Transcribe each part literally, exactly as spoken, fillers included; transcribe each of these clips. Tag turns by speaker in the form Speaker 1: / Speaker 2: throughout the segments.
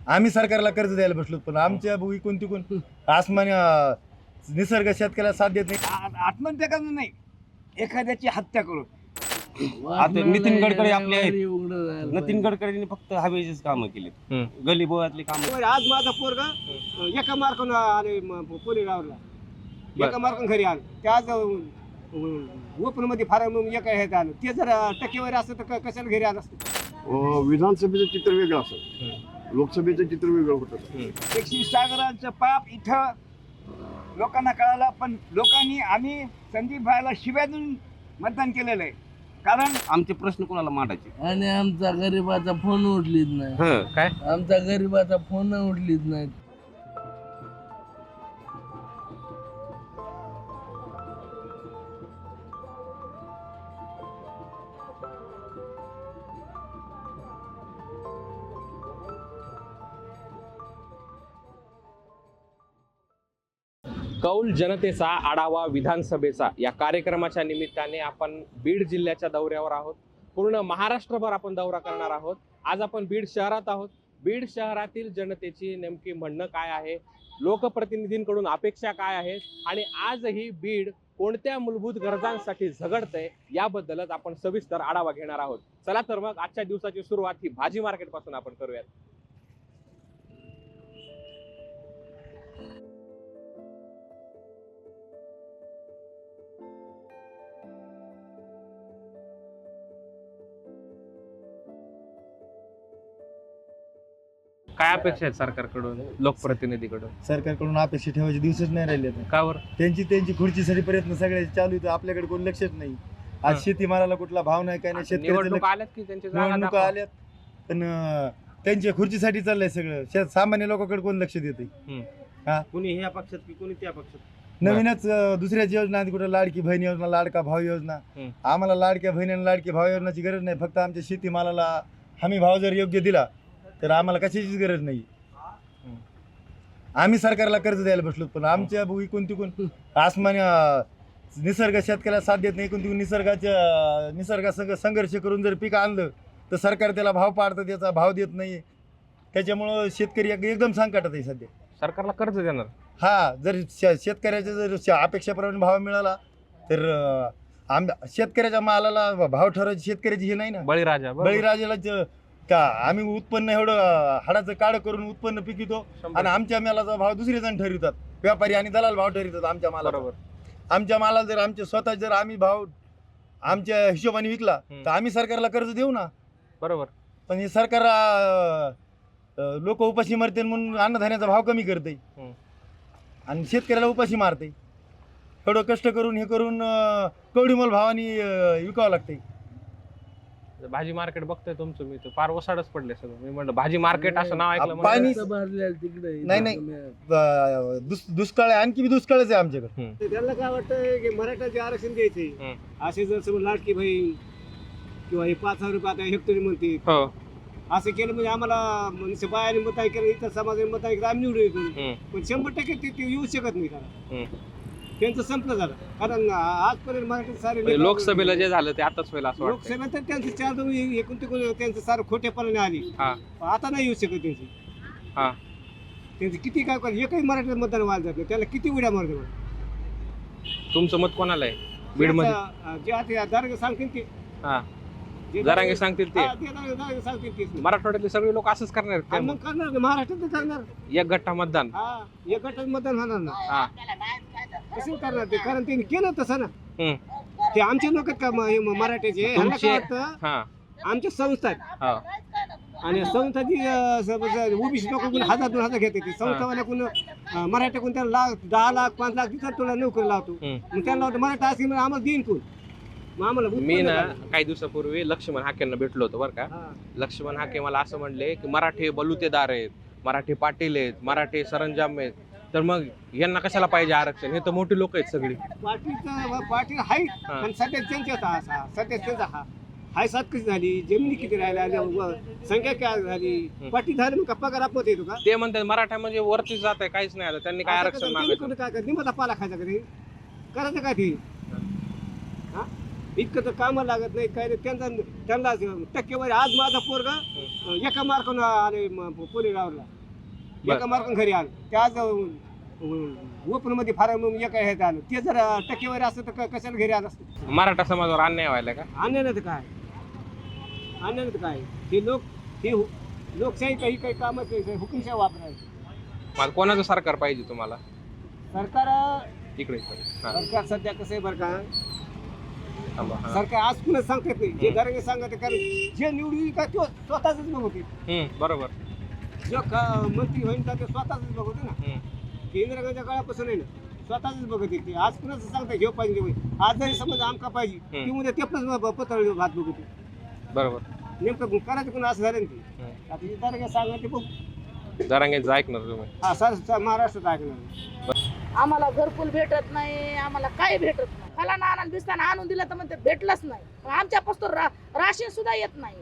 Speaker 1: आम्ही सरकारला कर्ज द्यायला बसलो, पण आमच्या भूमी कोणती कोण आसमानी निसर्ग शेतकऱ्याला साथ देत नाही.
Speaker 2: आत्महत्या करणं नाही, एखाद्याची हत्या करून.
Speaker 3: आता नितीन गडकरी आपले आहेत. नितीन गडकरींनी फक्त हवेचीच कामं केली, गली बोळातली कामं.
Speaker 2: आज माझा पोरगा एका मार्कून आले पुणे गावला, एका मार्कून घरी आलं. त्याच ओपन मध्ये फार एका ह्यात आलं. ते जर टक्केवारी असतं तर कशाला घरी आलं असतं.
Speaker 4: विधानसभेचं चित्र वेगळं असं, लोकसभेचं चित्र वेगळं होतं.
Speaker 2: एकशे सागरांचं पाप इथं लोकांना कळालं, पण लोकांनी आम्ही संदीप भाईला शिव्या देऊन मतदान केलेलं आहे. कारण
Speaker 3: आमचे प्रश्न कोणाला मांडायचे.
Speaker 5: आणि आमचा गरीबाचा फोन उठलीच नाही.
Speaker 3: काय
Speaker 5: आमचा गरीबाचा फोन उठलीच नाही.
Speaker 6: कौल जनतेचा आढावा विधानसभेचा या कार्यक्रमाच्या निमित्ताने आपण बीड जिल्ह्याच्या दौऱ्यावर आहोत. पूर्ण महाराष्ट्रभर आपण दौरा करणार आहोत. आज आपण बीड शहरात आहोत. बीड शहरातील जनतेची नेमकी म्हणणं काय आहे, लोकप्रतिनिधींकडून अपेक्षा काय आहेत आणि आजही बीड कोणत्या मूलभूत गरजांसाठी झगडतंय याबद्दलच आपण सविस्तर आढावा घेणार आहोत. चला तर मग आजच्या दिवसाची सुरुवात ही भाजी मार्केट पासून आपण करूयात. काय अपेक्षा आहेत सरकारकडून, लोकप्रतिनिधीकडून?
Speaker 1: सरकारकडून अपेक्षा ठेवायचे दिवसच नाही राहिले.
Speaker 6: का बरं?
Speaker 1: त्यांची त्यांची खुर्चीसाठी प्रयत्न सगळे चालू आहेत, आपल्याकडे कोण लक्षच नाही. आज शेतीमालाला कुठला भाव नाही, काय नाही. शेतकऱ्याचे
Speaker 6: निवडणुका आल्यात की त्यांची जागा
Speaker 1: निवडणुका
Speaker 6: दाखवा.
Speaker 1: आल्यात, पण अं, त्यांच्या खुर्चीसाठी चाललंय सगळं. शेत सामान्य लोकांकडे कोण लक्ष देते.
Speaker 3: कुणी ह्या पक्षात की कुणी त्या पक्षात.
Speaker 1: नवीनच अं, दुसऱ्याच योजना आहेत, कुठं लाडकी बहीण योजना, लाडका भाव योजना.
Speaker 6: हम्म.
Speaker 1: आम्हाला लाडक्या बहीण आणि लाडकी भाव योजनाची गरज नाही. फक्त आमच्या शेतीमालाला हमी भाव जर योग्य दिला तर आम्हाला कशाचीच गरज नाही. आम्ही सरकारला कर्ज द्यायला बसलो, पण आमच्या भूमी कोणती कोण आसमानी निसर्ग शेतकऱ्याला साथ देत नाही. कोणती निसर्गाच्या निसर्गासंग संघर्ष करून जर पीक आणलं तर सरकार त्याला भाव पाडतं, त्याचा भाव देत नाही. त्याच्यामुळं शेतकरी एक- एकदम संकटात आहे सध्या.
Speaker 6: सरकारला कर्ज देणार.
Speaker 1: हा, जर शे- शेतकऱ्याच्या जर श- अपेक्षेप्रमाणे भाव मिळाला तर अं, आम शेतकऱ्याच्या मालाला भाव ठरवायची शेतकऱ्याची हे नाही ना.
Speaker 6: बळीराजा बरोबर.
Speaker 1: बळीराजाला ज- का आम्ही उत्पन्न एवढं अं, हाडाचं काढ करून उत्पन्न पिकवतो
Speaker 6: शंभर.
Speaker 1: आणि आमच्या मालाचा भाव दुसरे जण ठरवितात. व्यापारी आणि दलाल भाव ठरवितात आमच्या मालाला.
Speaker 6: बरोबर.
Speaker 1: आमच्या मालाला जर आमचे स्वतः जर आम्ही भाव आमच्या हिशोबाने विकला
Speaker 6: हम्म.
Speaker 1: तर आम्ही सरकारला कर्ज देऊ ना.
Speaker 6: बरोबर.
Speaker 1: पण हे सरकार लोक उपाशी मरते म्हणून अन्नधान्याचा भाव कमी करते
Speaker 6: हम्म.
Speaker 1: आणि शेतकऱ्याला उपाशी मारते. एवढं कष्ट करून हे करून अं, कवडीमोल भावानी अं, विकावं लागते.
Speaker 6: भाजी मार्केट बघतोय तुमचं, मी तर फार ओसाडच पडले सगळं. मी म्हणलं भाजी मार्केट असं नाव ऐकलं
Speaker 1: पाणी-
Speaker 6: म्हणलं.
Speaker 5: भरलेलं तिकडे
Speaker 1: नाही, नाही. अं, दुस- दुष्काळ आहे, आणखी बी दुष्काळच आहे आमच्याकडे.
Speaker 2: तर त्यांना काय वाटतं की मराठाचे आरक्षण द्यायचे.
Speaker 6: हम्म.
Speaker 2: असे जर समज लाडकी बहीण किंवा हे पाच हजार रुपये आता हेक्टरी म्हणते,
Speaker 6: हो.
Speaker 2: असं केलं म्हणजे आम्हाला म्हणजे बायाने मताई केलं, इतर समाजाने मताई केलं, आम्ही निवडून येतो.
Speaker 6: हम्म.
Speaker 2: पण शंभर टक्के ते ते येऊ शकत नाही. कारण
Speaker 6: हम्म.
Speaker 2: त्यांचं संपलं झालं. कारण आजपर्यंत मराठी सारे
Speaker 6: म्हणजे लोकसभेला जे झालं ते आताच होईल असं वाटतं.
Speaker 2: लोकसभेत तर त्यांचं चार दोन एकूण तिकून त्यांचं सारं खोटेपणाने आली.
Speaker 6: हा.
Speaker 2: आता नाही येऊ शकत त्यांची.
Speaker 6: हा.
Speaker 2: त्यांची किती काय कर एकही मराठी मतदान व्हायला जात नाही. त्याला किती उड्या मारते.
Speaker 6: तुमचं मत कोणाला आहे बीड मध्ये?
Speaker 2: जे आता दारगे सांगतील ते.
Speaker 6: हा.
Speaker 2: जे
Speaker 6: जरांगे सांगतील ते.
Speaker 2: हा, ते दारगे- दारगे सांगतील तेच.
Speaker 6: मराठवाड्यातले सगळे लोक असंच करणार आहेत
Speaker 2: आणि
Speaker 6: काय
Speaker 2: मग करणार ना, महाराष्ट्रात तर करणार.
Speaker 6: मग? एक गठ्ठा मतदान.
Speaker 2: हा, एक गटात मतदान होणार ना.
Speaker 6: हा.
Speaker 2: कसं करणार ते? कारण त्यांनी केलं तसं ना.
Speaker 6: हम्म.
Speaker 2: ते आमचे लोक का म- हे म- मराठ्याचे ह्यांना
Speaker 6: तुमचे-
Speaker 2: काय वाटतं,
Speaker 6: हा.
Speaker 2: आमच्या संस्था आहेत.
Speaker 6: हा.
Speaker 2: आणि संस्थाची ओबीसी लोक हजार दोन हजार घेते. संस्थावाल्याकडून अं, मराठ्याकडून त्याला लाख दहा लाख पाच लाख तिथं तुला नोकरी लावतो.
Speaker 6: हम्म.
Speaker 2: मग त्यांना वाटतं मराठा असेल म्हणजे आम्हाला देईन कोण. मग आम्हाला
Speaker 6: मी
Speaker 2: उत्पन्न
Speaker 6: ना
Speaker 2: झालं.
Speaker 6: काही दिवसापूर्वी लक्ष्मण हाकेंना भेटलो होतो बरं का.
Speaker 2: हा.
Speaker 6: लक्ष्मण हाके मला असं म्हणले की मराठी बलुतेदार आहेत, मराठी पाटील आहेत, मराठी सरंजाम आहेत, तर मग यांना कशाला पाहिजे आरक्षण? हे तर मोठी लोक आहेत सगळी.
Speaker 2: पाटीलचा पाटील आहे
Speaker 6: हा.
Speaker 2: पण सध्या त्यांच्याच हा हा- सध्या त्यांचा हा हाय सात कशी झाली, जमिनी किती राहिल्या, व- संख्या काय झाली,
Speaker 6: हम्म.
Speaker 2: पाटील झाले मग का पगार आपत येतो का?
Speaker 6: ते म्हणतात मराठा म्हणजे वरती जात आहे, काहीच नाही आलं, त्यांनी काय आरक्षण मागायचं?
Speaker 2: काय निमता पाला खायचा का ते? करायचं काय ते? इतकं तर कामं लागत नाही काय नाही. त्यांचा त्यांना टक्केवारी आज माझा पोरगा एका मार्कानं आले पोलीस रावरला एका मार्कानं घरी आलं ते आज ओपन मध्ये फार्म एका ह्यात आलं ते जर टक्केवारी असतं तर क- कशाला घरी आलं असतं.
Speaker 6: मराठा समाजावर अन्याय व्हायला का?
Speaker 2: आणण्यानं तर काय आणण्यानं तर काय हे लोक हे हु- लोकशाही काही काही कामच नाही हुकुमशाही वापरायची.
Speaker 6: मला कोणाचं सरकार पाहिजे तुम्हाला?
Speaker 2: सरकार
Speaker 6: इकडे इकडे. हा,
Speaker 2: सरकार सध्या कसं आहे बरं का
Speaker 6: थांबा. हा.
Speaker 2: सरकार आज पुन्हा सांगत नाही जे
Speaker 6: हम्म.
Speaker 2: दराने सांगत आहे, कारण जे निवडून का तो स्वतःच बघते
Speaker 6: हम्म, बरोबर.
Speaker 2: जो का- मंत्री होईल का ते स्वतःच बघते ना.
Speaker 6: हम्म.
Speaker 2: इंदिरा गांधीच्या काळापासून आहे ना स्वतःच बघते ते आज कुणाच सांगता घेऊ पाहिजे ते पाहिजे. आज जरी समज आमका पाहिजे
Speaker 6: हम्म.
Speaker 2: ती उद्या तेपलंच पत्र भात बघते
Speaker 6: बरोबर.
Speaker 2: नेमकं करायचं कोण असं झालं ना ते.
Speaker 6: हम्म.
Speaker 2: आता जे दराने सांगा ते बघ
Speaker 6: जरांगेचं ऐकणार तुम्ही?
Speaker 2: हा सर महाराष्ट्रात ऐकणार
Speaker 7: आम्हाला घरकुल भेटत नाही, आम्हाला काय भेटत नाही. फलाना आणून बिस्ताना आणून दिलं तर म्हणते भेटलंच नाही. मग आमच्यापासून रा, राशन सुद्धा येत नाही.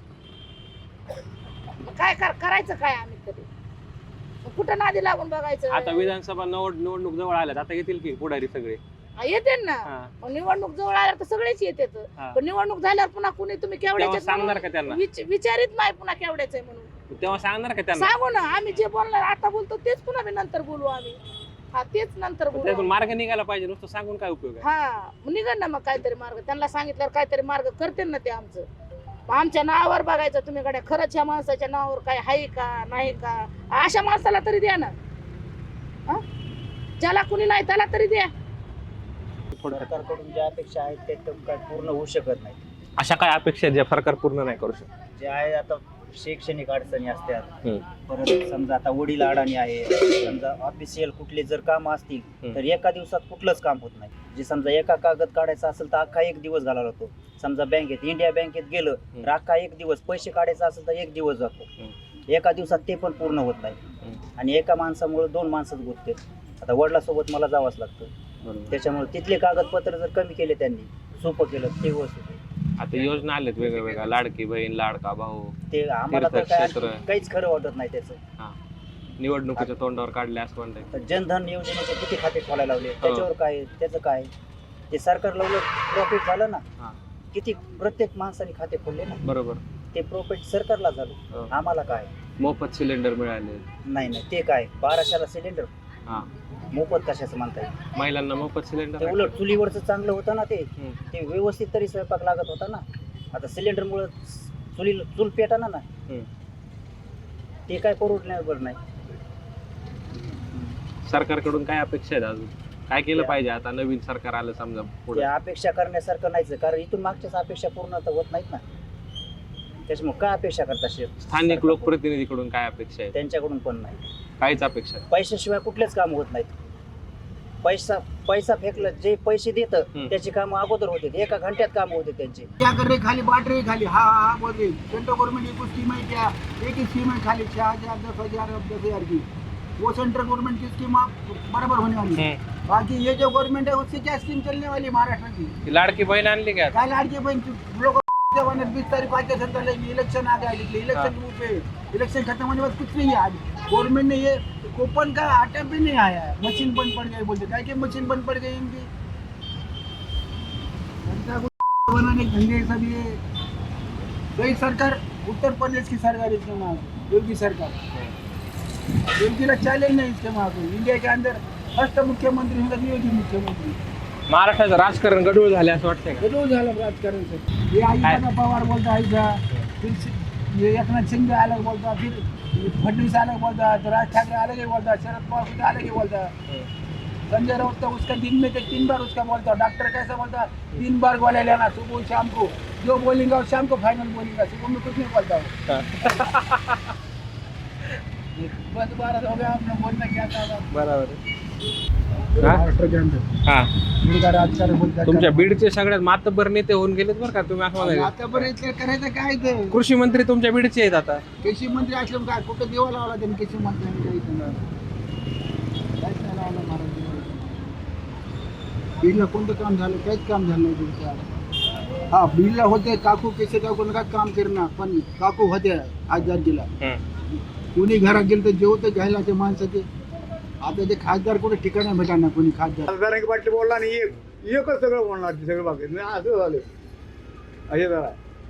Speaker 7: मग काय कर, करायचं काय आम्ही तरी? मग कुठं नादी लागून बघायचं?
Speaker 3: आता विधानसभा निवड निवडणूक जवळ आल्यात, आता येतील की पुढारी सगळे?
Speaker 7: हा, येते ना.
Speaker 3: हा.
Speaker 7: मग निवडणूक जवळ आल्यावर तर सगळेच येतात.
Speaker 3: हा.
Speaker 7: पण निवडणूक झाल्यावर पुन्हा कुणी तुम्ही
Speaker 3: तेव्हा
Speaker 7: केवढ्याचे
Speaker 3: सांगणार का त्यांना?
Speaker 7: विचारित नाही पुन्हा केवढ्याच आहे म्हणून.
Speaker 3: तेव्हा सांगणार का त्यांना?
Speaker 7: सांगू ना, आम्ही जे बोलणार आता बोलतो तेच पुन्हा बी नंतर बोलू आम्ही. हा, तेच नंतर बोलू
Speaker 3: त्यातून
Speaker 7: आम्ही.
Speaker 3: मार्ग निघायला पाहिजे, नुसतं सांगून काय उपयोग आहे?
Speaker 7: हा, निघन ना मग काहीतरी मार्ग. त्यांना सांगितल्यावर काहीतरी मार्ग करते ना ते आमचं. मग आमच्या नावावर बघायचं तुम्ही गड्या, खरंच ह्या माणसाच्या नावावर काय आहे का नाही का? अशा माणसाला तरी द्या ना. हा? ज्याला कुणी नाही त्याला तरी द्या.
Speaker 8: सरकारकडून ज्या अपेक्षा आहेत ते तर काय पूर्ण होऊ शकत नाही.
Speaker 6: अशा काय अपेक्षा ज्या सरकार पूर्ण नाही करू शकत?
Speaker 8: जे आहे आता शैक्षणिक अडचणी असतात,
Speaker 6: हम्म.
Speaker 8: परत समजा आता वडील अडाणी आहे, समजा ऑफिशियल कुठले जर काम असतील
Speaker 6: हम्म.
Speaker 8: तर एका दिवसात कुठलंच काम होत नाही. जे समजा एका कागद काढायचा असेल तर अख्खा एक दिवस घालावा लागतो. समजा बँकेत इंडिया बँकेत गेलं तर अख्खा एक दिवस, पैसे काढायचा असेल तर एक दिवस जातो. एका दिवसात ते पण पूर्ण होत नाही. आणि एका माणसामुळे दोन माणसंच गुंतते. आता वडिलासोबत मला जावंच लागतं, त्याच्यामुळे तिथले कागदपत्र जर कमी केले त्यांनी, सोपं केलं ते व्यवस्थित.
Speaker 6: आता योजना आल्यात वेगळ्या वेगळ्या, लाडकी बहीण, लाडका भाऊ,
Speaker 8: ते आम्हाला तर काय
Speaker 6: तीर्थक्षेत्र.
Speaker 8: काहीच खरं वाटत नाही त्याचं.
Speaker 6: निवडणुकीच्या तोंडावर काढले असं म्हणताय.
Speaker 8: तर जनधन योजनेचे किती खाते खोलायला लावले, त्याच्यावर काय त्याचं काय? ते सरकारला उलट प्रॉफिट झालं ना.
Speaker 6: हा.
Speaker 8: किती प्रत्येक माणसाने खाते खोलले ना,
Speaker 6: बरोबर.
Speaker 8: ते प्रॉफिट सरकारला झालं.
Speaker 6: हो.
Speaker 8: आम्हाला काय?
Speaker 6: मोफत सिलेंडर मिळाले.
Speaker 8: नाही नाही, ते काय बाराशेला सिलेंडर
Speaker 6: हा.
Speaker 8: मोफत कशाचं म्हणता येईल?
Speaker 6: महिलांना मोफत सिलेंडर.
Speaker 8: ते उलट चुलीवरचं चांगलं होतं ना. ते
Speaker 6: हम्म.
Speaker 8: ते व्यवस्थित तरी स्वयंपाक लागत होता ना. आता सिलेंडरमुळे चुली चूल पेटाना ना.
Speaker 6: हम्म.
Speaker 8: ते काय परवडण्यावर नाही.
Speaker 6: सरकारकडून काय अपेक्षा आहेत अजून? काय केलं पाहिजे आता नवीन सरकार आलं समजा पुढे?
Speaker 8: ते अपेक्षा करण्यासारखं नाहीच, कारण इथून मागच्याच अपेक्षा पूर्ण तर होत नाहीत ना. त्याच्यामुळे काय अपेक्षा करता शेत?
Speaker 6: स्थानिक लोकप्रतिनिधीकडून काय अपेक्षा आहेत?
Speaker 8: त्यांच्याकडून पण नाही.
Speaker 6: काहीच अपेक्षा नाही.
Speaker 8: पैशाशिवाय कुठलेच काम होत नाहीत. पैसा पैसा फेकलं, जे पैसे देतं
Speaker 6: हम्म.
Speaker 8: त्याची कामं अगोदर होते, एका घंट्यात काम होते त्यांचे.
Speaker 9: क्या कर रहे खाली बांट रहे खाली हाँ हाँ हाँ बोल रहे सेंट्रल गवर्नमेंट की कुछ स्कीम है क्या? एक ही स्कीम है खाली छह हजार दस हजार दस हजार की, वो सेंट्रल गवर्नमेंट की स्कीम आप बराबर होने वाली है। बाकी ये जो गवर्नमेंट है उससे क्या स्कीम चलने वाली महाराष्ट्र की?
Speaker 6: ती लाडकी बहीण आणली का?
Speaker 9: क्या लाड़की बहन लोग बीस तारीख को आके सरकार लगी, इलेक्शन आ गया, इलेक्शन पे इलेक्शन खत्म होने के बाद कुछ नहीं है। आज गवर्नमेंट ने ये कूपन का आटा भी नहीं आया है, मशीन बंद पड़ गई बोलते, क्या कि मशीन बंद पड़ गई इनकी जनता को बनाने के धंधे सब। ये वही सरकार उत्तर प्रदेश की सरकार इसके वहाँ योगी सरकार, योगी का चैलेंज नहीं इसके वहाँ को। इंडिया के अंदर फर्स्ट मुख्यमंत्री होगा योगी मुख्यमंत्री।
Speaker 6: महाराष्ट्राचं राजकारण गडूळ झाले असं वाटतंय का?
Speaker 9: रोज झालं राजकारण से। ये आयुष्मान पवार बोलता है ऐसा, फिर ये एकनाथ शिंदे अलग बोलता, फिर फडणवीस अलग बोलता, तो राज ठाकरे अलग ही बोलता, शरद पवार खुद अलग ही बोलता, संजय राउत तो उसका दिन में तो तीन बार उसका बोलता, डॉक्टर कैसा बोलता तीन बार गोले लेना सुबह शाम को, जो बोलेंगे और शाम को फाइनल बोलेंगे, सुबह में कुछ नहीं बोलता वो। बस बारह हो गया, आपने बोलना क्या था?
Speaker 6: बरोबर.
Speaker 9: महाराष्ट्र के अंदर
Speaker 6: हा.
Speaker 9: मुलगा राजकारण बोलता है।
Speaker 6: तुमच्या बीडचे सगळ्यात मातब्बर नेते होऊन गेलेत बरं का तुम्ही असं म्हणाले.
Speaker 9: आतापर्यंत करायचं काय ते?
Speaker 6: कृषी मंत्री तुमच्या बीडचे आहेत आता.
Speaker 9: कृषी मंत्री असलं काय कुठं देवा लावला त्यांनी कृषी मंत्र्यांनी? काही केलं काहीच नाही लावलं महाराज. बीडला कोणतं काम झालं? काहीच काम झालं नाही तुमचं. हा, बीडला होते काकू केसे काकू काय काम करणार, पण काकू होते आजाद जिल्हा. कोणी घरात गेलं तर जेवतं घ्यायला ते माणसाचे. आता ते खासदार कुठे ठिकाण भेटा ना कोणी खासदार.
Speaker 10: खासदारांची बाटली बोलला नाही, एक
Speaker 9: एकच सगळं बोलणार ते सगळं बाकी नाही असं झालं असे जरा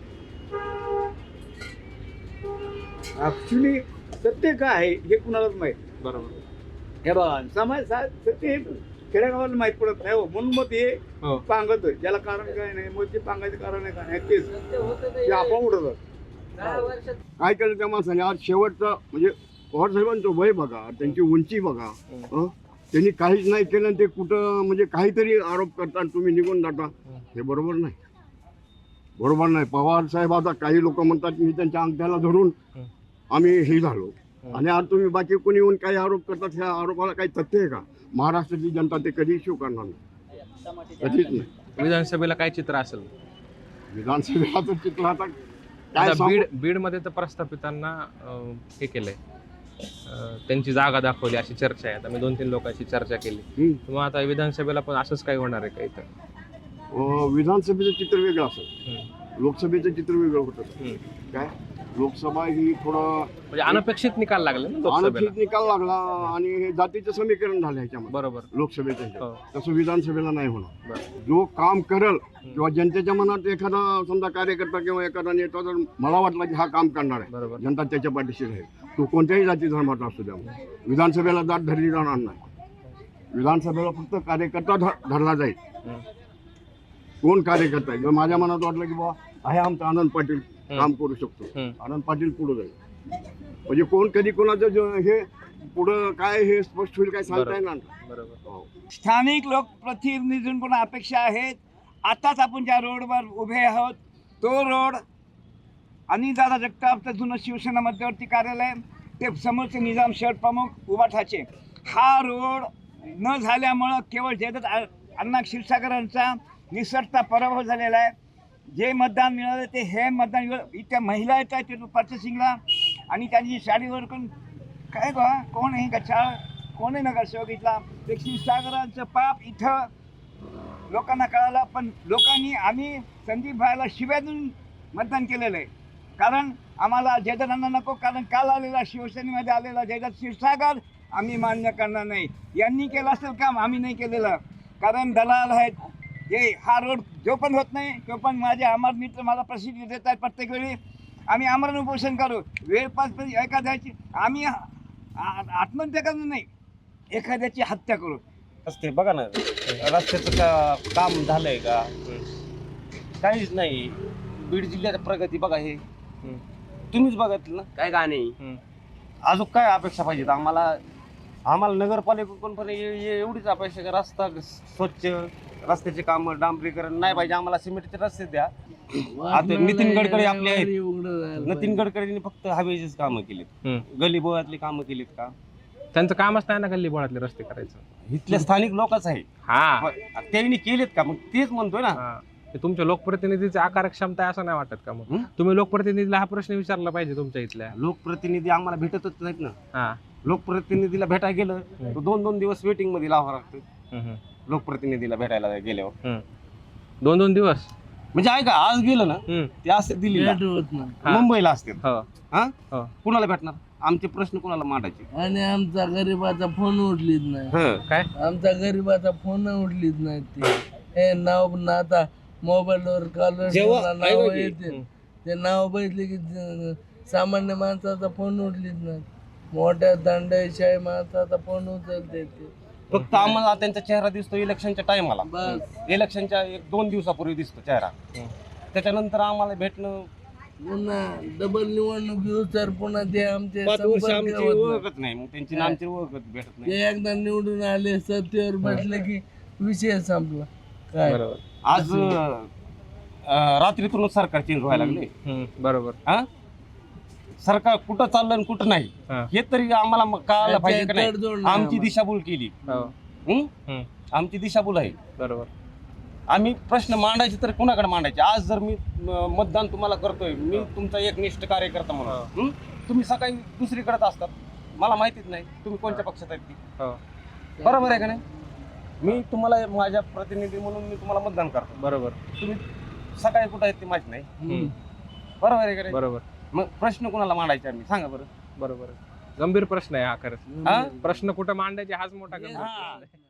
Speaker 9: ऍक्च्युली सत्य काय आहे हे कुणालाच माहित.
Speaker 6: बरोबर.
Speaker 9: हे बघा समाज सा- सत्य हे खेड्यागावाला माहित पडत नाही हो. म्हणून मग ते
Speaker 6: हो.
Speaker 9: पांगत ज्याला कारण काय नाही मग ते पांगायचं कारण आहे काय नाही तेच ते आपण उडत
Speaker 4: काय केलं त्या माणसाने आज शेवटचा म्हणजे पवार साहेबांचं वय बघा, त्यांची उंची बघा, हं? त्यांनी काहीच नाही केलं आणि ते कुठं म्हणजे काहीतरी आरोप करता आणि तुम्ही निघून जाता, हे बरोबर नाही. बरोबर नाही. पवार साहेब आता काही लोक म्हणतात मी त्यांच्या अंगठ्याला धरून आम्ही हे झालो आणि आज तुम्ही बाकी कोणी येऊन काही आरोप करतात, ह्या आरोपाला काही तथ्य आहे का? महाराष्ट्राची जनता ते कधी स्वीकारणार नाही, कधीच नाही.
Speaker 6: विधानसभेला काय चित्र असेल?
Speaker 4: विधानसभेचं चित्र आता काय
Speaker 6: आता
Speaker 4: सांगू?
Speaker 6: बीड बीडमध्ये तर प्रस्थापितांना अं, हे केलंय, अं, त्यांची जागा दाखवली अशी चर्चा आहे. आता मी दोन तीन लोकांशी चर्चा केली.
Speaker 4: हं.
Speaker 6: मग आता विधानसभेला पण असंच काही होणार आहे का इथं?
Speaker 4: अं, विधानसभेचं चित्र वेगळं असेल,
Speaker 6: हं.
Speaker 4: लोकसभेचं चित्र वेगळं होतं.
Speaker 6: हं.
Speaker 4: काय लोकसभा ही थोडं
Speaker 6: म्हणजे अनपेक्षित निकाल लागले ना लोकसभेला.
Speaker 4: अनपेक्षित निकाल लागला आणि हे जातीचं समीकरण झालं ह्याच्यामध्ये
Speaker 6: बरोबर.
Speaker 4: लोकसभेच्या ह्याच्यात.
Speaker 6: हो.
Speaker 4: तसं विधानसभेला नाही होणार.
Speaker 6: बरं.
Speaker 4: जो काम करल किंवा जनतेच्या मनात एखादा समजा कार्यकर्ता किंवा एखादा नेता जर मला वाटलं की हा काम करणार आहे,
Speaker 6: बरोबर.
Speaker 4: जनता त्याच्या पाठीशी राहील. तो कोणत्याही जाती धर्माचा असू द्या, विधानसभेला जात धरली जाणार नाही. विधानसभेला फक्त कार्यकर्ता ध- धरला जाईल.
Speaker 6: हं.
Speaker 4: कोण कार्यकर्ता आहे? जर माझ्या मनात वाटलं की बाबा आहे आमचा आनंद पाटील काम करू शकतो,
Speaker 6: हं.
Speaker 4: आनंद पाटील पुढे जाईल. म्हणजे कोण कधी कोणाचं जे- हे पुढं काय हे स्पष्ट होईल काय सांगता येणार नाही.
Speaker 6: बरोबर.
Speaker 4: हो.
Speaker 9: स्थानिक लोकप्रतिनिधींकडून अपेक्षा आहेत. आताच आपण ज्या रोडवर उभे आहोत तो रोड आणि दादा जगताप जुनं शिवसेना मध्यवर्ती कार्यालय ते समोरचे निजाम शहर प्रमुख उभाठाचे हा रोड न झाल्यामुळं केवळ जयदत्त आ- अण्णा क्षीरसागरांचा निसटता पराभव झालेला आहे. जे मतदान मिळालं ते हे मतदान मिळालं. इथं महिला येत आहेत ते पर्चेसिंगला आणि त्यांची साडीवर कोण काय बा कोण आहे का चाळ कोण आहे नगरसेवक इथला ते क्षीरसागरांचं पाप इथं लोकांना कळालं. पण लोकांनी आम्ही संदीप भाईला शिव्या देऊन मतदान केलेलं आहे. कारण आम्हाला जयदत्तांना नको, कारण काल आलेला शिवसेनेमध्ये आलेला जयदत्त क्षीरसागर आम्ही मान्य करणार नाही. यांनी केलं असेल काम, आम्ही नाही केलेलं. कारण दलाल आहेत हे हा रोड जो पण होत नाही तो पण माझे अमर मित्र मला प्रसिद्धी देत आहेत. प्रत्येक वेळी आम्ही आमरण उपोषण करू, वेळ पाच एखाद्याची आम्ही आ- आत्महत्या करणं नाही, एखाद्याची हत्या करू.
Speaker 3: रस्ते बघा ना, रस्त्याचं का काम झालंय का? काहीच नाही. बीड जिल्ह्याची प्रगती बघा, हे
Speaker 6: हं.
Speaker 3: तुम्हीच बघितलं ना, काय का नाही.
Speaker 6: हं.
Speaker 3: अजून काय अपेक्षा पाहिजेत आम्हाला? आम्हाला नगरपालिकेकडून पण ए- ए- एवढीच अपेक्षा का रस्ता स्वच्छ, रस्त्याचे काम डांबरीकरण नाही पाहिजे आम्हाला, सिमेंटचे रस्ते द्या. आता नितीन गडकरी आपले आहेत. नितीन गडकरींनी फक्त हवेचीच कामं केलीत,
Speaker 6: हं.
Speaker 3: गली बोळातली कामं केलीत का?
Speaker 6: त्यांचं कामच नाही ना गल्ली बोळातले रस्ते करायचं.
Speaker 3: इथल्या स्थानिक लोकच आहे,
Speaker 6: हा
Speaker 3: त्यांनी केलेत का? मग तेच म्हणतोय ना.
Speaker 6: हा. ते तुमच्या लोकप्रतिनिधीची आकार क्षमता आहे असं नाही वाटत का? मग
Speaker 3: हं?
Speaker 6: तुम्ही लोकप्रतिनिधीला हा प्रश्न विचारला पाहिजे तुमच्या इथल्या.
Speaker 3: लोकप्रतिनिधी आम्हाला भेटतच नाहीत ना.
Speaker 6: हा.
Speaker 3: लोकप्रतिनिधीला भेटायला गेलं तर दोन दोन दिवस वेटिंग मध्ये लावावं लागतं
Speaker 6: हं, हं.
Speaker 3: लोकप्रतिनिधीला भेटायला गेल्यावर.
Speaker 6: हं. दोन दोन दिवस
Speaker 3: म्हणजे ऐका, आज गेलं ना
Speaker 6: हं.
Speaker 3: ते असते दिल्लीला,
Speaker 5: भेट होत नाही.
Speaker 6: हा.
Speaker 3: मुंबईला असते.
Speaker 6: हो.
Speaker 3: हा
Speaker 6: हो.
Speaker 3: कुणाला भेटणार? आमचे प्रश्न कुणाला मांडायचे?
Speaker 5: आणि आमचा गरीबाचा फोन उठलीच नाही.
Speaker 3: हं.
Speaker 6: काय?
Speaker 5: आमचा गरीबाचा फोन उठलीच नाही. ते हे नाव ना आता मोबाईलवर कॉलर
Speaker 3: जेव्हा-
Speaker 5: नाव
Speaker 3: ऐका की,
Speaker 5: येते
Speaker 6: हं.
Speaker 5: ते नाव बघितले की ज- सामान्य माणसाचा फोन उठलीच नाही. मोठ्या दंडशाही माणसाचा फोन उचलते ते.
Speaker 3: फक्त आम्हाला त्यांचा चेहरा दिसतो इलेक्शनच्या टायमाला,
Speaker 5: बस
Speaker 3: इलेक्शनच्या एक दोन दिवसापूर्वी दिसतो चेहरा.
Speaker 6: हं.
Speaker 3: त्याच्यानंतर आम्हाला भेटणं
Speaker 5: पुन्हा डबल निवडणूक घेऊ तर पुन्हा ते आमचे
Speaker 3: पाच वर्ष
Speaker 5: संपर्क
Speaker 3: आमची
Speaker 5: होत नाही.
Speaker 3: ओळखत नाही, मग त्यांची ना आमची ओळखत भेटत नाही.
Speaker 5: ते एकदा निवडून आले सत्तेवर बसले की विषय संपला. काय
Speaker 6: बरोबर.
Speaker 3: आज अं, रात्रीतूनच सरकार चेंज व्हायला लागले.
Speaker 6: हं. बरोबर.
Speaker 3: हा सरकार कुठं चाललं आणि कुठं नाही
Speaker 6: हा.
Speaker 3: हे तरी आम्हाला मग कळायला पाहिजे का नाही?
Speaker 5: तडजोड नाही
Speaker 3: आमची
Speaker 5: आम्हाला.
Speaker 3: दिशाभूल केली.
Speaker 6: हो.
Speaker 3: हं?
Speaker 6: हं.
Speaker 3: आमची दिशाभूल आहे.
Speaker 6: बरोबर.
Speaker 3: आम्ही प्रश्न मांडायचे तर कुणाकडे मांडायचे? आज जर मी म, मतदान तुम्हाला करतोय, मी तुमचा एक निष्ठ कार्यकर्ता म्हणून, हं? तुम्ही सकाळी दुसरीकडेच असतात, मला माहितीच नाही तुम्ही कोणत्या पक्षात आहेत ती.
Speaker 6: हो.
Speaker 3: बरोबर आहे का नाही? मी तुम्हाला माझ्या प्रतिनिधी म्हणून मी तुम्हाला मतदान करतो,
Speaker 6: बरोबर.
Speaker 3: तुम्ही सकाळी कुठं आहेत ते माहित नाही.
Speaker 6: हं.
Speaker 3: बरोबर आहे का नाही?
Speaker 6: बरोबर.
Speaker 3: मग प्रश्न कुणाला मांडायचे आम्ही सांगा बरं.
Speaker 6: बरोबर. गंभीर प्रश्न आहे हा खरंच.
Speaker 3: हा?
Speaker 6: प्रश्न कुठं मांडायचे हाच मोठा गंभीर
Speaker 3: हा.
Speaker 6: प्रश्न आहे.